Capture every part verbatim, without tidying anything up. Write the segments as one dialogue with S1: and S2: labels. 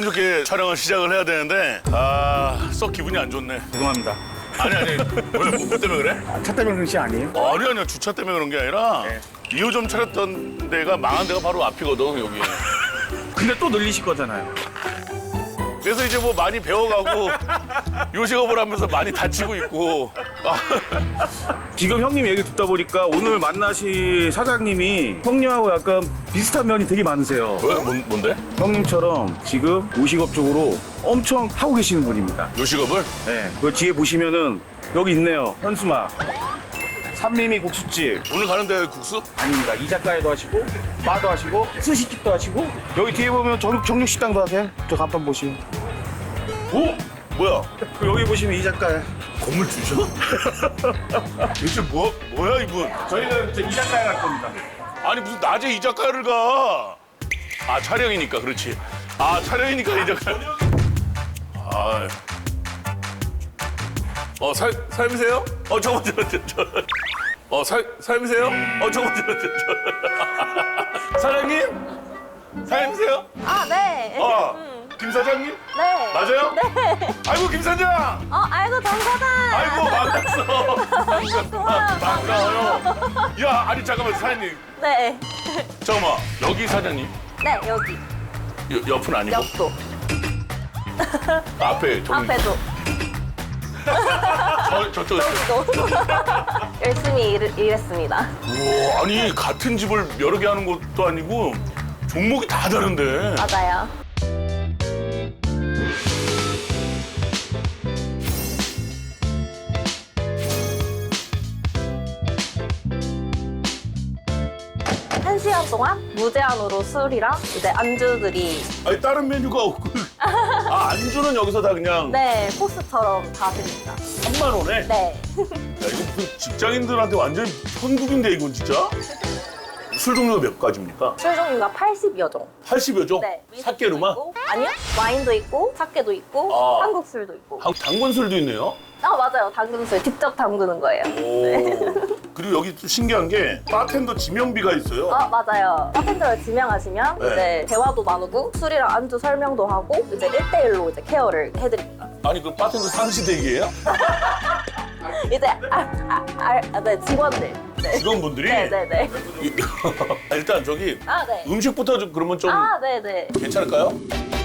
S1: 기분 좋게 촬영을 시작을 해야 되는데 아, 썩 기분이 안 좋네.
S2: 죄송합니다.
S1: 아니 아니 왜 뭐 때문에 그래?
S2: 차 때문에 그런 시 아니에요?
S1: 아니 아니야 주차 때문에 그런 게 아니라
S2: 네.
S1: 이 호점 차렸던 데가 망한 데가 바로 앞이거든 여기.
S2: 근데 또 늘리실 거잖아요.
S1: 그래서 이제 뭐 많이 배워가고 요식업을 하면서 많이 다치고 있고. 아,
S2: 지금 형님 얘기 듣다 보니까 오늘 만나실 사장님이 형님하고 약간 비슷한 면이 되게 많으세요.
S1: 왜? 뭔, 뭔데?
S2: 형님처럼 지금 요식업 쪽으로 엄청 하고 계시는 분입니다.
S1: 요식업을?
S2: 네. 그 뒤에 보시면은 여기 있네요. 현수막. 삼림이 국수집.
S1: 오늘 가는데 국수?
S2: 아닙니다. 이자카야도 하시고, 바도 하시고, 스시집도 하시고, 여기 뒤에 보면 정, 정육식당도 하세요. 저 간판 보시면.
S1: 오? 뭐야?
S2: 그 여기 보시면 이자카야.
S1: 건물 주셔? 대체 뭐, 뭐야 이분?
S2: 저희는 이제 이자카야 갈 겁니다.
S1: 아니 무슨 낮에 이자카야를 가? 아 촬영이니까 그렇지. 아 촬영이니까 이자카야. 아. 어 사, 사장님이세요? 어 저거 저거 저, 저. 어 사, 사장님이세요? 어 저거 저거 저, 저. 사장님? 사장님이세요?
S3: 아, 네.
S1: 어.
S3: 음,
S1: 김 사장님?
S3: 네.
S1: 맞아요?
S3: 네.
S1: 아이고 김 사장.
S3: 어, 아이고, 정 사장.
S1: 아이고 반갑어.
S3: 반갑구나.
S1: 반가워요. 야 아니 잠깐만 사장님.
S3: 네.
S1: 잠깐만 여기 사장님.
S3: 네, 여기.
S1: 여, 옆은 아니고
S3: 옆도.
S1: 앞에 저기
S3: 앞에도.
S1: 저, 저쪽
S3: 여기도. 열심히 일, 일했습니다.
S1: 우와 아니 같은 집을 여러 개 하는 것도 아니고 종목이 다 다른데.
S3: 맞아요. 한 시간 동안 무제한으로 술이랑 이제 안주들이
S1: 아니 다른 메뉴가 없고 아 안주는 여기서 다 그냥
S3: 네 코스처럼 다 드립니다.
S1: 삼만 원에.
S3: 네.
S1: 야 이거 무슨 직장인들한테 완전 천국인데 이건 진짜. 술 종류가 몇 가지입니까?
S3: 술 종류가 팔십여 종.
S1: 팔십여 종?
S3: 네.
S1: 사케로만?
S3: 있고, 아니요. 와인도 있고, 사케도 있고,
S1: 아.
S3: 한국 술도 있고.
S1: 한- 당근술도 있네요.
S3: 아 맞아요. 담근술 직접 담그는 거예요.
S1: 오. 그리고 여기 또 신기한 게 바텐더 지명비가 있어요.
S3: 아 맞아요. 바텐더를 지명하시면
S1: 네.
S3: 이제 대화도 나누고 술이랑 안주 설명도 하고 이제 일 대일로 이제 케어를 해드립니다.
S1: 아니 그 바텐더 상시대기예요?
S3: 이제 아, 아, 아, 아, 네 직원들. 네.
S1: 직원분들이?
S3: 네네네.
S1: 아, 일단 저기
S3: 아 네.
S1: 음식부터 좀 그러면 좀
S3: 아 네네.
S1: 괜찮을까요?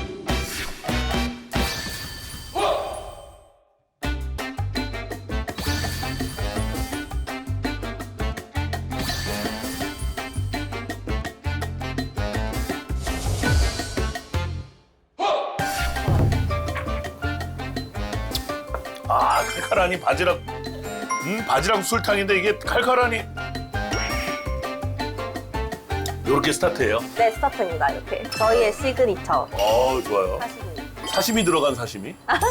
S1: 아 칼칼하니 바지락 음 바지락 술탕인데 이게 칼칼하니 요렇게 스타트예요.
S3: 네 스타트입니다. 이렇게 저희의 시그니처
S1: 어 좋아요.
S3: 하시는
S1: 사시미 들어간 사시미.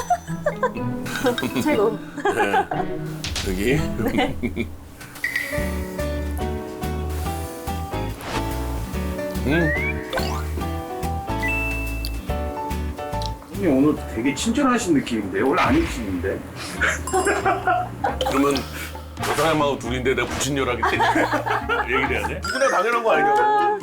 S3: 최고.
S1: 네. 여기. 음.
S2: 형님 오늘 되게 친절하신 느낌인데 원래 안 입시는데.
S1: 그러면 저 사람하고 둘인데 내가 부친녀라기 때문에 얘기를 해야 돼? 누구나 당연한 거 아니냐고.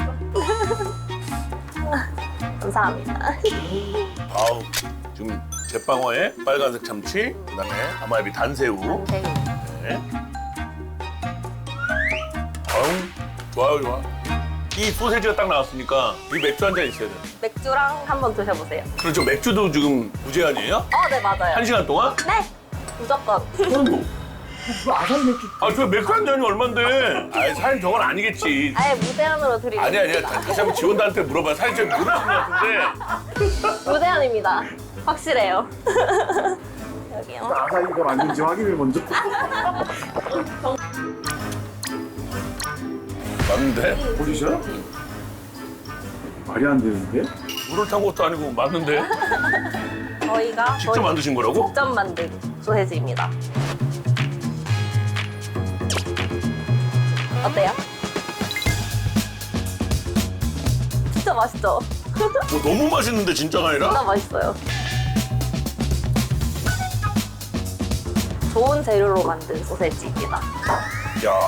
S3: 감사합니다.
S1: 아우 지금 제빵어에 빨간색 참치, 그다음에 가마에비 단새우.
S3: 네.
S1: 네. 아우 좋아요 좋아. 이 소세지가 딱 나왔으니까 이 맥주 한 잔 있어야 돼.
S3: 맥주랑 한번 드셔보세요.
S1: 그렇죠 맥주도 지금 무제한이에요?
S3: 어 네 맞아요.
S1: 한 시간 동안?
S3: 네 무조건.
S1: 그럼
S2: 아살 맥주.
S1: 아저 맥주 한 잔이 얼만데? 아이 사장님 저건 아니겠지.
S3: 아예 무제한으로 드리고
S1: 아니 아니야
S3: 있습니다.
S1: 다시 한번 직원들한테 물어봐. 사장님 좀 모르시는 것 같은데.
S3: 무제한입니다. 확실해요. 여기요.
S2: 아살 이걸 아닌지 확인을 먼저.
S1: 맞는데?
S2: 보시죠. 말이 안 되는데?
S1: 물을 탄 것도 아니고 맞는데?
S3: 저희가
S1: 직접
S3: 저희
S1: 만드신 거라고?
S3: 직접 만든 소세지입니다. 어때요? 진짜 맛있죠?
S1: 뭐 너무 맛있는데 진짜가 아니라?
S3: 진짜 맛있어요. 좋은 재료로 만든 소세지입니다.
S1: 야,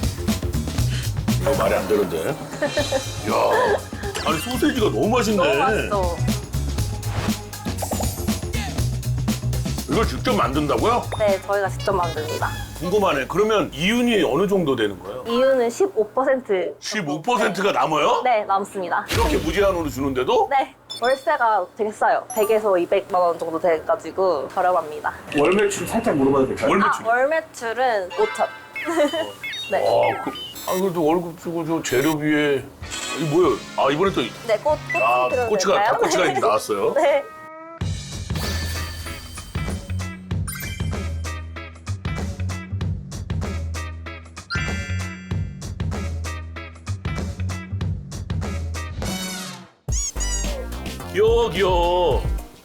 S1: 이거 말이 안 되는데? 야, 아니 소세지가 너무 맛있네.
S3: 너무 맛있죠?
S1: 이걸 직접 만든다고요?
S3: 네, 저희가 직접 만듭니다.
S1: 궁금하네. 그러면 이윤이 어느 정도 되는 거예요?
S3: 이유는 십오 퍼센트.
S1: 십오 퍼센트가 남아요?
S3: 네, 남습니다.
S1: 이렇게 무제한으로 주는데도?
S3: 네, 월세가 되게 싸요. 백에서 이백만 원 정도 돼가지고 저렴합니다.
S2: 월 매출 살짝 물어봐도 될까요?
S1: 월
S3: 아,
S1: 매출.
S3: 월 매출은 오천. 네.
S1: 아, 그, 아, 그래도 월급 주고 저 재료비에 이게 뭐예요? 아, 이번에 또
S3: 네, 꽃, 꽃
S1: 아,
S3: 들어도
S1: 꼬치가
S3: 될까요?
S1: 닭꼬치가 이제 나왔어요.
S3: 네.
S1: 귀여워, 귀여워.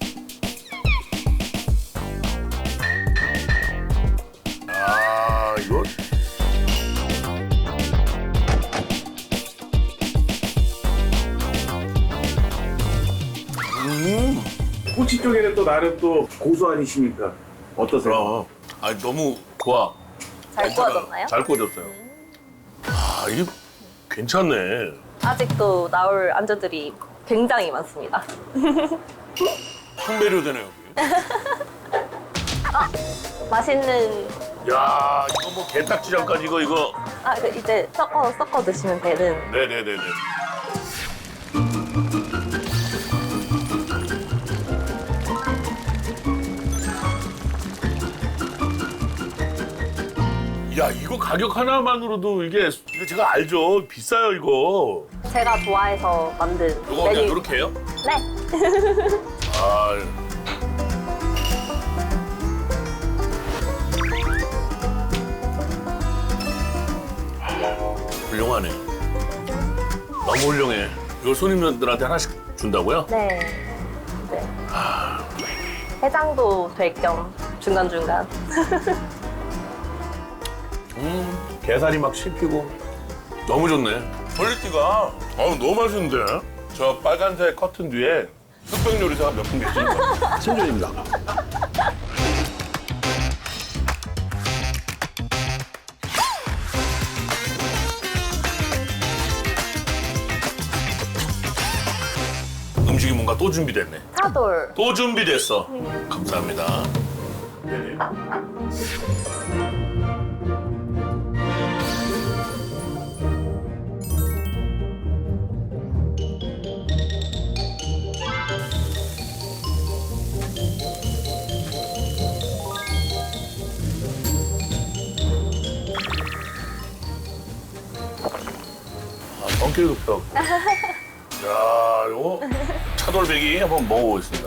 S1: 아, 이거 음.
S2: 꼬치 쪽에는 또 나름 또 고수 아니십니까? 어떠세요?
S1: 아, 아 너무 좋아.
S3: 잘
S1: 괜찮아요.
S3: 구워졌나요?
S1: 잘 구워졌어요. 아, 이게 괜찮네.
S3: 아직도 나올 안주들이 굉장히 많습니다.
S1: 확 매료되네, 여기.
S3: 맛있는,
S1: 야, 이거 뭐 게딱지장까지 이거, 이거.
S3: 아, 그 이제 섞어, 섞어 드시면 되는.
S1: 네네네네. 야, 이거 가격 하나만으로도 이게, 이거 제가 알죠. 비싸요, 이거.
S3: 제가 좋아해서 만든
S1: 이거 그냥 이렇게 해요?
S3: 네.
S1: 아. 훌륭하네. 너무 훌륭해. 이걸 손님들한테 하나씩 준다고요?
S3: 네. 네. 해장도 될 겸 중간중간.
S1: 음, 게살이 막 씹히고 너무 좋네. 퀄리티가 어우, 너무 맛있는데? 저 빨간색 커튼 뒤에 흑백 요리사가 몇 분 계시는 거예요? 신준입니다. 음식이 뭔가 또 준비됐네.
S3: 차돌.
S1: 또 준비됐어. 감사합니다. 네네. 아, 성길국떡. 야, 요거 차돌배기 한번 먹어보겠습니다.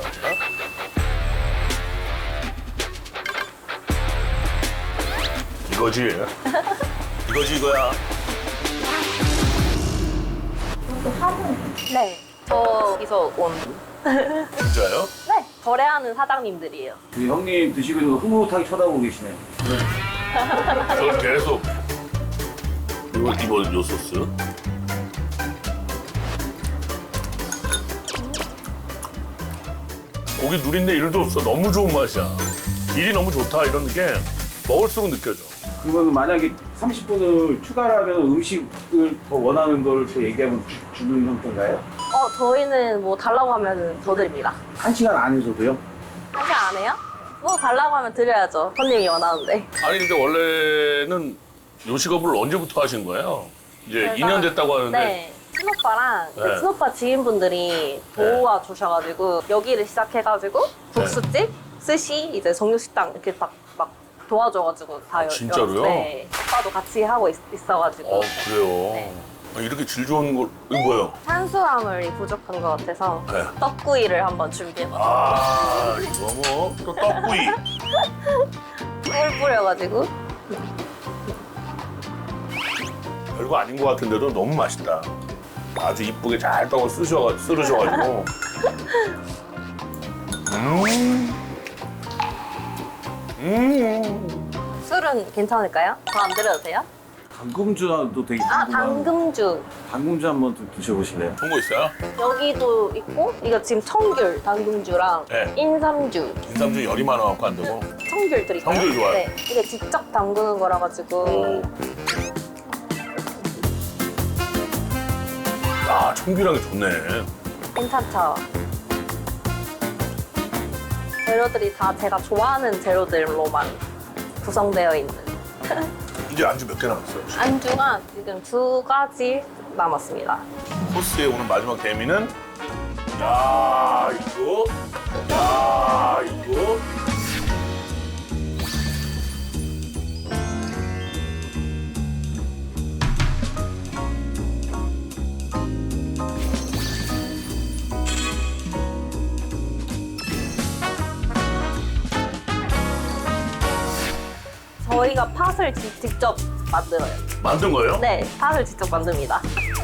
S1: 이거지. 이거지 이거야.
S3: 네. 저기서 온.
S1: 진짜요?
S3: 네. 거래하는 사장님들이에요.
S2: 그 형님 드시고 흐뭇하게 쳐다보고 계시네.
S1: 저 계속 이거 이거 요 소스. 고기 누린데 일도 없어. 너무 좋은 맛이야. 일이 너무 좋다 이런 게 먹을수록 느껴져.
S2: 그러면 만약에 삼십 분을 추가하면 음식을 더 원하는 걸 또 얘기하면 주- 주는 형태인가요?
S3: 어, 저희는 뭐 달라고 하면 더 드립니다.
S2: 한 시간 안에서도요?
S3: 하지 안 해요? 뭐 달라고 하면 드려야죠. 손님이 원하는데.
S1: 아니 근데 원래는 요식업을 언제부터 하신 거예요? 이제
S3: 제가-
S1: 이 년 됐다고 하는데
S3: 네. 친오빠랑 그
S1: 네.
S3: 친오빠 지인분들이 도와 주셔가지고 여기를 시작해가지고 국수집, 스시, 이제 정육식당 이렇게 막, 막 도와줘가지고 다 여-
S1: 진짜로요?
S3: 네. 오빠도 같이 하고 있, 있어가지고
S1: 어 그래요.
S3: 네.
S1: 아, 이렇게 질 좋은 걸 이거 뭐예요?
S3: 탄수화물이 부족한 것 같아서
S1: 네.
S3: 떡구이를 한번 준비해봤어요.
S1: 아 이거 뭐 또 떡구이.
S3: 꿀 뿌려가지고
S1: 별거 아닌 것 같은데도 너무 맛있다. 아주 이쁘게 잘 떡을 쓰셔 쓰르셔가지고. 음. 음.
S3: 술은 괜찮을까요? 더 안 드려도 돼요?
S2: 당금주도 되게
S3: 아,
S2: 궁금한-
S3: 당금주.
S2: 당금주 한번 좀 드셔보실래요?
S1: 좋은 거 있어요?
S3: 여기도 있고, 이거 지금 청귤 당금주랑
S1: 네.
S3: 인삼주.
S1: 인삼주 열이 많아갖고 안 되고.
S3: 청귤 드릴까요?
S1: 청귤 좋아요.
S3: 네. 이게 직접 담그는 거라 가지고.
S1: 오. 아 청귤향이 좋네.
S3: 괜찮죠? 재료들이 다 제가 좋아하는 재료들로만 구성되어 있는.
S1: 이제 안주 몇 개 남았어요?
S3: 안주가 지금 두 가지 남았습니다.
S1: 코스의 오늘 마지막 대미는 야 이거 야 이거
S3: 저희가 팥을 지- 직접 만들어요.
S1: 만든 거예요?
S3: 네, 팥을 직접 만듭니다.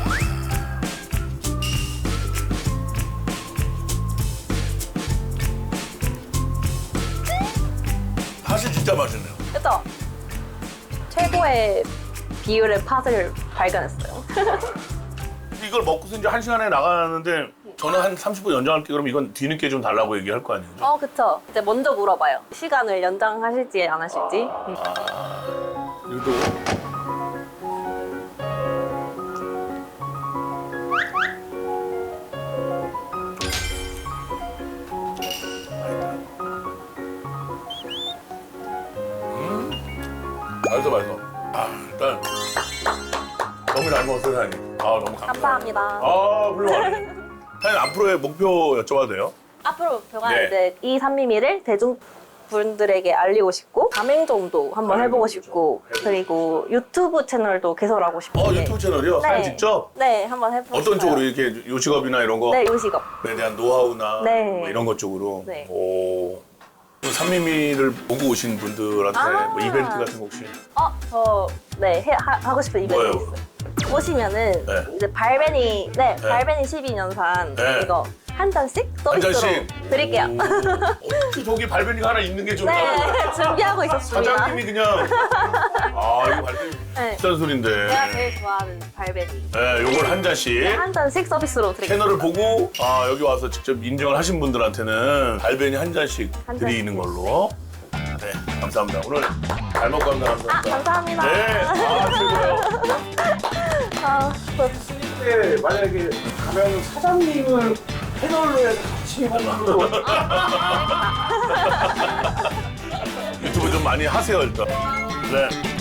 S1: 팥이 진짜 맛있네요.
S3: 그죠? 최고의 비율의 팥을 발견했어요.
S1: 이걸 먹고서 이제 한 시간에 나가는데 저는 한 삼십 분 연장할게 그럼 이건 뒤늦게 좀 달라고 얘기할 거 아니에요?
S3: 어, 그쵸. 이제 먼저 물어봐요. 시간을 연장하실지 안 하실지. 음.
S1: 이것도 음 맛있어 맛있어. 아 일단 너무 잘 먹었어요 사장님. 아 너무 감사합니다.
S3: 감사합니다.
S1: 아 훌륭하네. 사장님 앞으로의 목표 여쭤봐도 돼요?
S3: 앞으로 목표가
S1: 네.
S3: 이제 이 산미미를 대중분들에게 알리고 싶고 가맹점도 한번 해보고 싶고 그리고 유튜브 채널도 개설하고 싶고
S1: 어 유튜브 채널이요? 사장님 직접?
S3: 네, 한번 해보고
S1: 어떤
S3: 싶어요.
S1: 쪽으로 이렇게 요식업이나 이런 거?
S3: 네, 요식업.
S1: 에 대한 노하우나
S3: 네.
S1: 뭐 이런 것 쪽으로.
S3: 네.
S1: 오. 그 산미미를 보고 오신 분들한테
S3: 아.
S1: 뭐 이벤트 같은 거 혹시?
S3: 어, 저, 네, 해, 하, 하고 싶은 이벤트
S1: 뭐예요?
S3: 있어요. 오시면은
S1: 네.
S3: 이제 발베니, 네, 발베니 십이 년산
S1: 네.
S3: 이거 한 잔씩
S1: 한
S3: 서비스로
S1: 잔씩
S3: 드릴게요.
S1: 오. 어떻게 저기 발베니가 하나 있는 게 좀.
S3: 네, 준비하고 있었습니다.
S1: 사장님이 그냥 아 이거 발베니
S3: 네.
S1: 비싼 소린데.
S3: 제가 제일 좋아하는 발베니.
S1: 네, 요걸 한 잔씩.
S3: 한 잔씩 서비스로 드릴게요.
S1: 채널을 보고 아 여기 와서 직접 인정을 하신 분들한테는 발베니 한 잔씩
S3: 한
S1: 드리는
S3: 잔씩.
S1: 걸로. 네, 감사합니다. 오늘 잘 먹고 갑니다.
S3: 아,
S1: 감사합니다.
S3: 감사합니다.
S1: 네, 아 최고요.
S3: 아,
S2: 근데 만약에 가면 사장님을 패널로 해서 같이 먹는 거.
S1: 유튜브 좀 많이 하세요 일단. 네.